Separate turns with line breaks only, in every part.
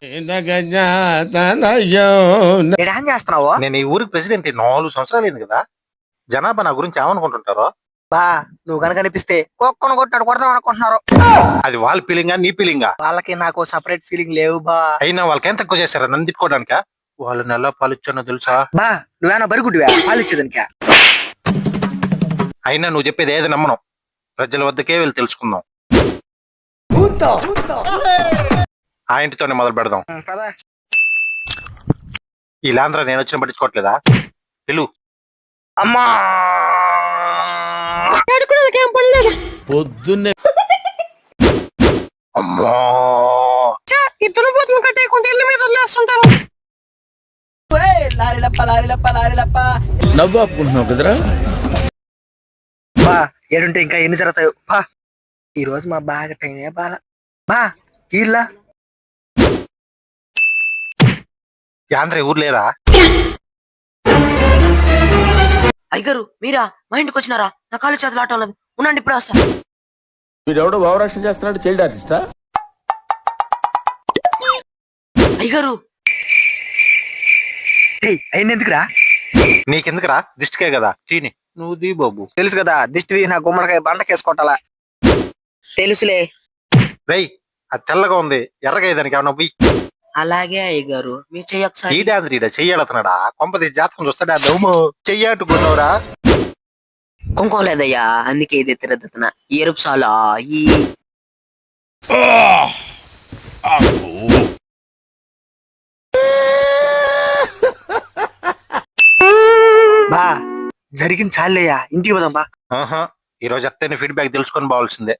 ఏం చేస్తున్నావు?
నేను ఈ ఊరికి ప్రెసిడెంట్ 4 సంవత్సరాలు అయింది కదా. జనాభా నా గురించి ఏమనుకుంటుంటారో.
బా నువ్వు కనుక అనిపిస్తే కుక్కను కొట్టాడు కొడదాం అనుకుంటున్నారు.
అది వాళ్ళ ఫీలింగా నీ ఫీలింగా?
వాళ్ళకి నాకు సపరేట్ ఫీలింగ్ లేవు బా.
అయినా వాళ్ళకేం తక్కువ చేశారా నన్ను తిట్టుకోవడానిక? వాళ్ళు నెల పాలిచ్చానో తెలుసా?
బా నువ్వేనా బరిగుడ్డివా పాలిచ్చేదానికా?
అయినా నువ్వు చెప్పేది ఏది నమ్మను. ప్రజల వద్దకే వెళ్ళి తెలుసుకుందాం. ఆ ఇంటితోనే మొదలు పెడదాం. ఈ లాంధ్ర నేను వచ్చిన పట్టించుకోవట్లేదా? పిలు.
అమ్మా
పొద్దున్నే
అమ్మా
ఇద్దరు బోతులు కట్టేయకుండా ఇల్లు మీద వదిలేస్తుంటాను.
నవ్వు ఆపుకుంటున్నావు కదరా.
బా ఏడుంటే ఇంకా ఎన్ని జరుగుతాయో. బా ఈ రోజు మా బాగా టైమే బాల. బా ఇల్లా
యాంధ్ర ఊరు లేరా?
అయ్యగారు మీరా? మా ఇంటికి వచ్చినారా? నా కాలు చేతులు ఆటం లేదు. ఉండండి ఇప్పుడు వస్తా.
వీడెవడో భావరక్షణ చేస్తున్నాడు, చైల్డ్ ఆర్టిస్టా?
అయ్యగారు
అయిన ఎందుకురా?
నీకెందుకురా? దిష్టికే కదా. తీని నువ్వు దీ బాబు.
తెలుసు కదా దిష్టి నా గుమ్మడికాయ బండకేసుకోవాలా. తెలుసులే.
రై అది తెల్లగా ఉంది, ఎర్రగా దానికి ఏమన్నా పోయి.
అలాగే అయ్యగారు మీ చెయ్యి ఒకసారి.
ఈడాంద్రీడా చెయ్యాడుతున్నాడా? కొంపది జాతకం చూస్తాడా? దమ్ము చెయ్యాటుకున్నావురా.
కుంకుమ లేదయ్యా, అందుకే ఇది తిరగతున్నా. ఎరుపు సాలా ఈ
బా జరిగింది చాలేయ్యా, ఇంటికి పోదాం బా.
ఈ రోజు అత్తని ఫీడ్బ్యాక్ తెలుసుకొని పోవాల్సిందే.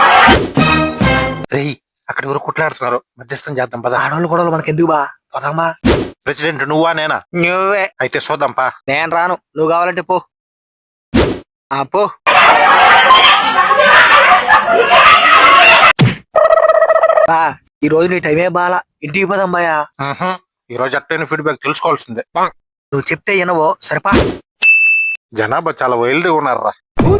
రేయ్ అక్కడ ఎవరు కుట్లాడుతున్నారు, మధ్యస్థం చేద్దాం పద.
ఆడవాళ్ళు గొడవలు మనకి ఎందుకు బా, పోదామా?
ప్రెసిడెంట్ నువ్వా నేనా?
నువ్వే.
అయితే చూద్దాం పా.
నేను రాను, నువ్వు కావాలంటే పో. పో. బా ఈ రోజు నీ టైమే బాల, ఇంటికి పోదాం బాయా.
ఈ రోజు అత్తని ఫీడ్బ్యాక్ తెలుసుకోవాల్సిందే.
నువ్వు చెప్తే వినవో సరిపా.
జనాభా చాలా వైల్డ్గా ఉన్నారా.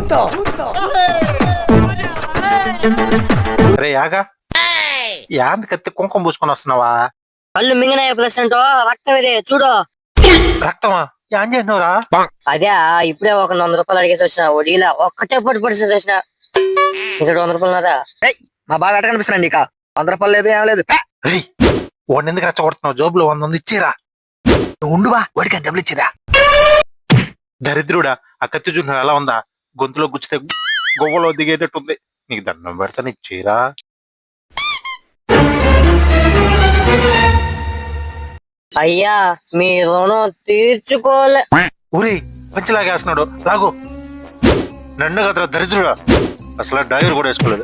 రే ఆగా, యాంది కత్తి కుంకుమ పూసుకొని వస్తున్నావా?
కళ్ళు మింగినాయి ప్రెసిడెంట్, రక్తం ఇదే చూడు.
రక్తమా? ఏం చేసినవురా?
అదే ఇప్పుడే ఒక 100 రూపాయలు అడిగేసి వచ్చిన. వడిలా ఒక్కటే పొట్టి పడిసేసి వచ్చిన. ఇక్కడ 100 రూపాయలు ఉన్నదా?
మా బాగా ఎట్ట కనిపిస్తున్నాండి ఇక 100 రూపాయలు లేదు ఏం లేదు.
రేయ్ వాడిని ఎందుకు రెచ్చగొడుతున్నావు? జోబులో 100 ఉంది, ఇచ్చేరా.
నువ్వు ఉండువా, వాడికి డబ్బులు ఇచ్చేదా?
దరిద్రుడా, ఆ కత్తి చూసిన ఎలా ఉందా? గొంతులో గుచ్చితే గొవ్వలో దిగేటట్టుంది. నీకు దండం పెడతాను, ఇచ్చేరా.
అయ్యా మీ రుణం తీర్చుకోలే.
ఊరే పంచలాగేస్తున్నాడు, లాగు. నన్ను కదరా దరిద్రుడా, అసలు డ్రైవర్ కూడా వేసుకోలేదు.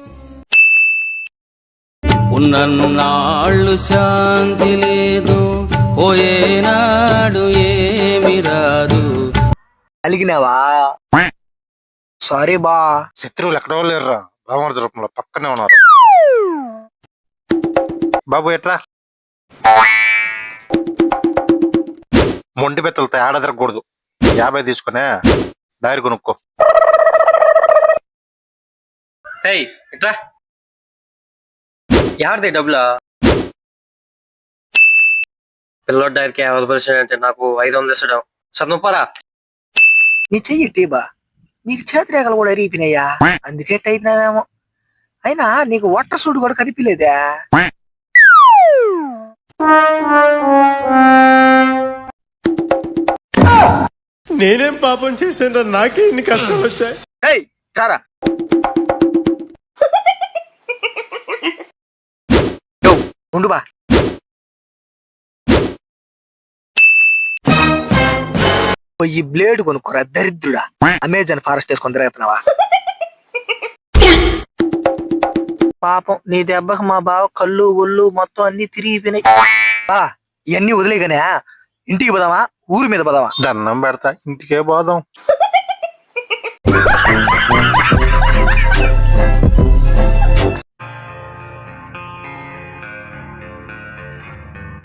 ఉన్నన్నాళ్ళు శాంతి లేదు, పోయేనాడు ఏమి రాదు.
అలిగినావా? సారీ బా.
శత్రువులు ఎక్కడో లేరురా, బామర్ది రూపంలో పక్కనే ఉన్నారు. బాబు ఎట్రా? మొండి బెత్తలతో ఆడ తిరగకూడదు. 50 తీసుకునే డైరీ కొనుక్కో.
ఇట్రా ఎవరిది డబ్బులా? పిల్లోడ్ డైరీకి 50% అంటే నాకు 500 ఇచ్చడం చదువుపారా?
నీ చెయ్యి టీబా, నీకు చేతిరేఖలు కూడా ఎరిగిపోయినాయా, అందుకే టైప్ నావేమో. అయినా నీకు వాటర్ సూట్ కూడా కనిపించలేదా?
నేనేం పాపం చేశాను, నాకే ఇన్ని కష్టాలు వచ్చాయి.
చారా ఉండు బా. ఈ బ్లేడ్ కొనుక్కోరా దరిద్రుడా, అమెజాన్ ఫారెస్ట్ వేసుకొని తిరుగుతున్నావా? పాపం నీ దెబ్బకు మా బావ కళ్ళు ఒళ్ళు మొత్తం అన్ని తిరిగిపోయినాయి. బా ఇవన్నీ వదిలేగానే ఇంటికి పోదామా, ఊరి మీద పోదామా?
దండం పెడతా, ఇంటికే పోదాం.